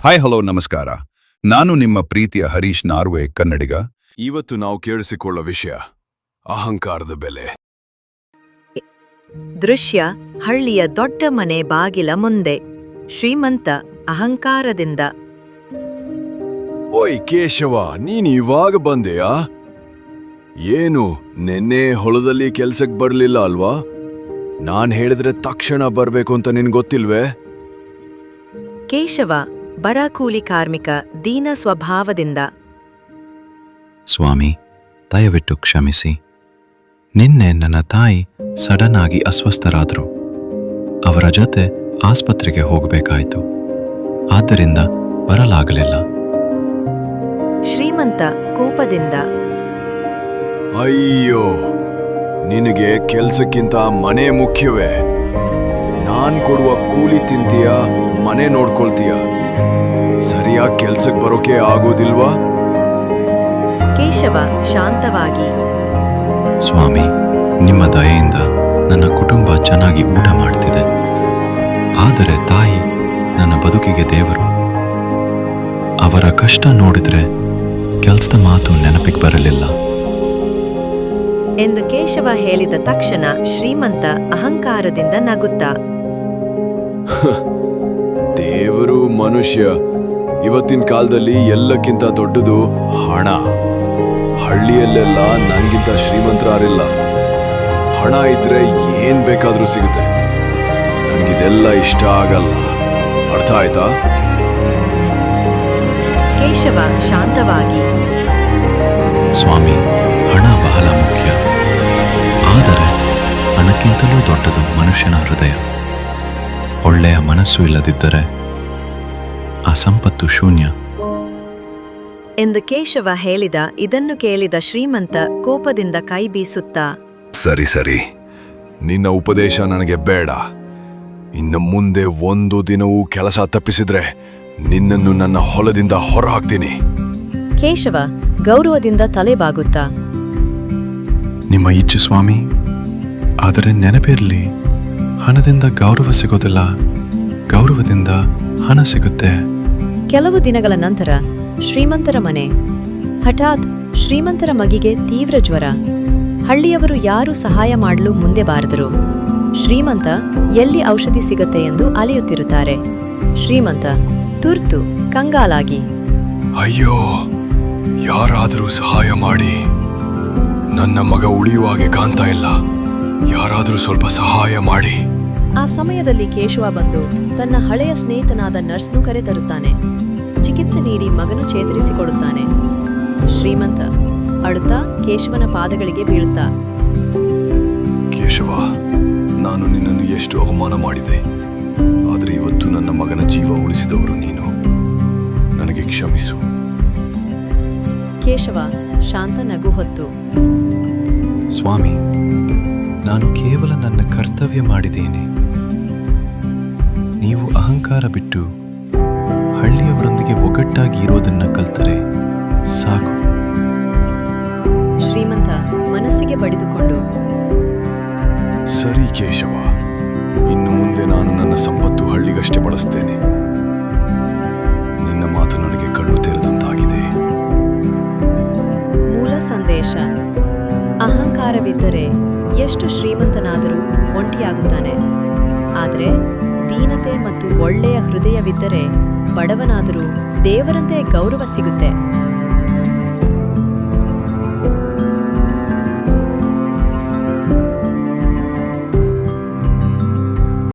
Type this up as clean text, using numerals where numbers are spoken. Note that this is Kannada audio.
ಹಾಯ್ ಹಲೋ ನಮಸ್ಕಾರ. ನಾನು ನಿಮ್ಮ ಪ್ರೀತಿಯ ಹರೀಶ್ ನಾರ್ವೆ, ಕನ್ನಡಿಗ. ಇವತ್ತು ನಾವು ಕೇಳಿಸಿಕೊಳ್ಳೋ ವಿಷಯ ಅಹಂಕಾರದ ಬೆಲೆ. ದೃಶ್ಯ: ಹಳ್ಳಿಯ ದೊಡ್ಡ ಮನೆ ಬಾಗಿಲ ಮುಂದೆ ಶ್ರೀಮಂತ ಅಹಂಕಾರದಿಂದ. ಓಯ್ ಕೇಶವ, ನೀನ್ ಇವಾಗ ಬಂದೆಯಾ? ಏನು ನೆನ್ನೆ ಹೊಲದಲ್ಲಿ ಕೆಲ್ಸಕ್ ಬರ್ಲಿಲ್ಲ ಅಲ್ವಾ? ನಾನ್ ಹೇಳಿದ್ರೆ ತಕ್ಷಣ ಬರ್ಬೇಕು ಅಂತ ನಿನ್ ಗೊತ್ತಿಲ್ವೇ? ಕೇಶವ ಬಡ ಕೂಲಿ ಕಾರ್ಮಿಕ, ದೀನ ಸ್ವಭಾವದಿಂದ. ಸ್ವಾಮಿ, ದಯವಿಟ್ಟು ಕ್ಷಮಿಸಿ. ನಿನ್ನೆ ನನ್ನ ತಾಯಿ ಸಡನ್ ಆಗಿ ಅಸ್ವಸ್ಥರಾದರು. ಅವರ ಜೊತೆ ಆಸ್ಪತ್ರೆಗೆ ಹೋಗಬೇಕಾಯಿತು. ಆದ್ದರಿಂದ ಬರಲಾಗಲಿಲ್ಲ. ಶ್ರೀಮಂತ ಕೋಪದಿಂದ. ಅಯ್ಯೋ, ನಿನಗೆ ಕೆಲ್ಸಕ್ಕಿಂತ ಮನೆ ಮುಖ್ಯವೇ? ನಾನ್ ಕೊಡುವ ಕೂಲಿ ತಿಂತೀಯ, ಮನೆ ನೋಡ್ಕೊಳ್ತೀಯ, ಸರಿಯಾಗಿ ಕೆಲ್ಸಕ್ಕೆ ಬರೋಕೆ ಆಗೋದಿಲ್ವಾ? ಕೇಶವ ಶಾಂತವಾಗಿ. ಸ್ವಾಮಿ, ನಿಮ್ಮ ದಯೆಯಿಂದ ನನ್ನ ಕುಟುಂಬ ಚೆನ್ನಾಗಿ ಊಟ ಮಾಡ್ತಿದೆ. ಆದರೆ ತಾಯಿ ನನ್ನ ಬದುಕಿಗೆ ದೇವರು. ಅವರ ಕಷ್ಟ ನೋಡಿದ್ರೆ ಕೆಲ್ಸದ ಮಾತು ನೆನಪಿಗೆ ಬರಲಿಲ್ಲ ಎಂದು ಕೇಶವ ಹೇಳಿದ ತಕ್ಷಣ ಶ್ರೀಮಂತ ಅಹಂಕಾರದಿಂದ ನಗುತ್ತಾ, ದೇವರು ಮನುಷ್ಯ. ಇವತ್ತಿನ ಕಾಲದಲ್ಲಿ ಎಲ್ಲಕ್ಕಿಂತ ದೊಡ್ಡದು ಹಣ. ಹಳ್ಳಿಯಲ್ಲೆಲ್ಲ ನನ್ಗಿಂತ ಶ್ರೀಮಂತರಾರಿಲ್ಲ. ಹಣ ಇದ್ರೆ ಏನ್ ಬೇಕಾದ್ರೂ ಸಿಗುತ್ತೆ. ನನ್ಗಿದೆಲ್ಲ ಇಷ್ಟ ಆಗಲ್ಲ. ಅರ್ಥ ಆಯ್ತಾ? ಕೇಶವ ಶಾಂತವಾಗಿ. ಸ್ವಾಮಿ, ಹಣ ಬಹಳ ಮುಖ್ಯ. ಆದರೆ ಹಣಕ್ಕಿಂತಲೂ ದೊಡ್ಡದು ಮನುಷ್ಯನ ಹೃದಯ. ಒಳ್ಳೆಯ ಮನಸ್ಸು ಇಲ್ಲದಿದ್ದರೆ ಆ ಸಂಪತ್ತು ಶೂನ್ಯ ಎಂದು ಕೇಶವ ಹೇಳಿದ. ಇದನ್ನು ಕೇಳಿದ ಶ್ರೀಮಂತ ಕೋಪದಿಂದ ಕೈ ಬೀಸುತ್ತಾ, ಸರಿ, ನಿನ್ನ ಉಪದೇಶ ನನಗೆ ಬೇಡ. ಇನ್ನು ಮುಂದೆ ಒಂದು ದಿನವೂ ಕೆಲಸ ತಪ್ಪಿಸಿದ್ರೆ ನಿನ್ನನ್ನು ನನ್ನ ಹೊಲದಿಂದ ಹೊರಹಾಕ್ತೀನಿ. ಕೇಶವ ಗೌರವದಿಂದ ತಲೆ ಬಾಗುತ್ತಾ, ನಿಮ್ಮ ಇಚ್ಛೆ ಸ್ವಾಮಿ. ಆದರೆ ನೆನಪಿರಲಿ, ಹಣದಿಂದ ಗೌರವ ಸಿಗೋದಿಲ್ಲ, ಗೌರವದಿಂದ ಹಣ ಸಿಗುತ್ತೆ. ಕೆಲವು ದಿನಗಳ ನಂತರ ಶ್ರೀಮಂತರ ಮನೆ. ಹಠಾತ್ ಶ್ರೀಮಂತರ ಮಗಿಗೆ ತೀವ್ರ ಜ್ವರ. ಹಳ್ಳಿಯವರು ಯಾರೂ ಸಹಾಯ ಮಾಡಲು ಮುಂದೆ ಬಾರದರು. ಶ್ರೀಮಂತ ಎಲ್ಲಿ ಔಷಧಿ ಸಿಗುತ್ತೆ ಎಂದು ಅಲೆಯುತ್ತಿರುತ್ತಾರೆ. ಶ್ರೀಮಂತ ತುರ್ತು ಕಂಗಾಲಾಗಿ, ಅಯ್ಯೋ, ಯಾರಾದರೂ ಸಹಾಯ ಮಾಡಿ. ನನ್ನ ಮಗ ಉಳಿಯುವಾಗೆ ಕಾಣ್ತಾ ಇಲ್ಲ. ಯಾರಾದರೂ ಸ್ವಲ್ಪ ಸಹಾಯ ಮಾಡಿ. ಆ ಸಮಯದಲ್ಲಿ ಕೇಶವ ಬಂದು ತನ್ನ ಹಳೆಯ ಸ್ನೇಹಿತನಾದ ನರ್ಸ್ನು ಕರೆತರುತ್ತಾನೆ. ಚಿಕಿತ್ಸೆ ನೀಡಿ ಮಗನು ಚೇತರಿಸಿಕೊಡುತ್ತಾನೆ. ಶ್ರೀಮಂತ ಅಳುತ್ತಾ ಕೇಶವನ ಪಾದಗಳಿಗೆ ಬೀಳುತ್ತಾ, ಕೇಶವ, ನಾನು ನಿನ್ನನ್ನು ಎಷ್ಟು ಅವಮಾನ ಮಾಡಿದೆ. ಆದರೆ ಇವತ್ತು ನನ್ನ ಮಗನ ಜೀವ ಉಳಿಸಿದವರು ನೀನು. ನನಗೆ ಕ್ಷಮಿಸು. ಕೇಶವ ಶಾಂತ ನಗು ಹೊತ್ತು, ಸ್ವಾಮಿ, ನಾನು ಕೇವಲ ನನ್ನ ಕರ್ತವ್ಯ ಮಾಡಿದ್ದೇನೆ. ನೀವು ಅಹಂಕಾರ ಬಿಟ್ಟು ಹಳ್ಳಿಯವರೊಂದಿಗೆ ಒಗ್ಗಟ್ಟಾಗಿ ಇರೋದನ್ನ ಕಲ್ತರೆ ಸಾಕು. ಶ್ರೀಮಂತ ಮನಸ್ಸಿಗೆ ಬಡಿದುಕೊಂಡು, ಸರಿ ಕೇಶವ, ಇನ್ನು ಮುಂದೆ ನಾನು ನನ್ನ ಸಂಪತ್ತು ಹಳ್ಳಿಗಷ್ಟೇ ಬಳಸ್ತೇನೆ. ನಿನ್ನ ಮಾತು ನನಗೆ ಕಣ್ಣು ತೆರೆದಂತಾಗಿದೆ. ಮೂಲ ಸಂದೇಶ: ಅಹಂಕಾರವಿದ್ದರೆ ಎಷ್ಟು ಶ್ರೀಮಂತನಾದರೂ ಒಂಟಿಯಾಗುತ್ತಾನೆ. ಆದರೆ ದೀನತೆ ಮತ್ತು ಒಳ್ಳೆಯ ಹೃದಯವಿದ್ದರೆ ಬಡವನಾದರೂ ದೇವರಂತೆ ಗೌರವ ಸಿಗುತ್ತೆ.